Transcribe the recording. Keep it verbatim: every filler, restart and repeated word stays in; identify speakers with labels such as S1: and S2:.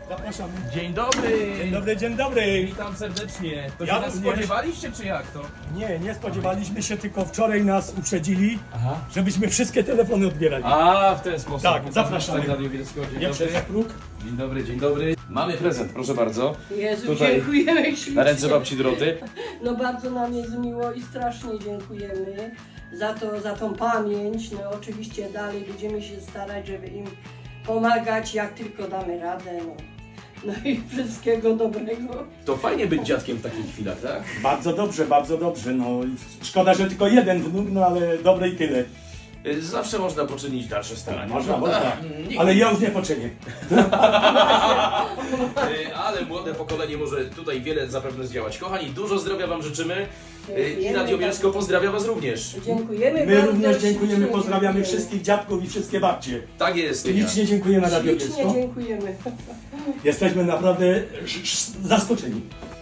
S1: Zapraszamy.
S2: Dzień dobry!
S1: Dzień dobry, dzień dobry.
S2: Witam serdecznie. To się
S1: Ja
S2: nas
S1: również.
S2: spodziewaliście, czy jak to?
S1: Nie, nie spodziewaliśmy się, tylko wczoraj nas uprzedzili,
S2: Aha.
S1: żebyśmy wszystkie telefony odbierali.
S2: A, w ten sposób.
S1: Tak, zapraszamy.
S2: Radio Bielsko. Dzień
S1: Nie
S2: dobry.
S1: przez próg.
S2: Dzień dobry, dzień dobry. Mamy prezent, proszę bardzo.
S3: Jezu,
S2: Tutaj
S3: dziękujemy ślicznie.
S2: Na ręce babci Doroty.
S3: No bardzo nam jest miło i strasznie dziękujemy za, to, za tą pamięć. No oczywiście dalej będziemy się starać, żeby im pomagać, jak tylko damy radę. No, no i wszystkiego dobrego.
S2: To fajnie być dziadkiem w takich chwilach, tak?
S1: Bardzo dobrze, bardzo dobrze. No, szkoda, że tylko jeden wnuk, no ale dobre i tyle.
S2: Zawsze można poczynić dalsze starania.
S1: Można,
S2: prawda?
S1: można.
S2: Nikt-
S1: Ale ja już nie poczynię.
S2: Y, Ale młode pokolenie może tutaj wiele zapewne zdziałać. Kochani, dużo zdrowia Wam życzymy. Y, I Radio Bielsko pozdrawia Was również.
S3: Dziękujemy
S1: My
S3: bardzo.
S1: również dziękujemy,
S3: ślicznie
S1: pozdrawiamy
S3: dziękujemy.
S1: wszystkich dziadków i wszystkie babcie.
S2: Tak jest.
S1: Licznie dziękujemy Radio
S3: Ślicznie
S1: Bielsko.
S3: dziękujemy.
S1: Jesteśmy naprawdę sz- sz- zaskoczeni.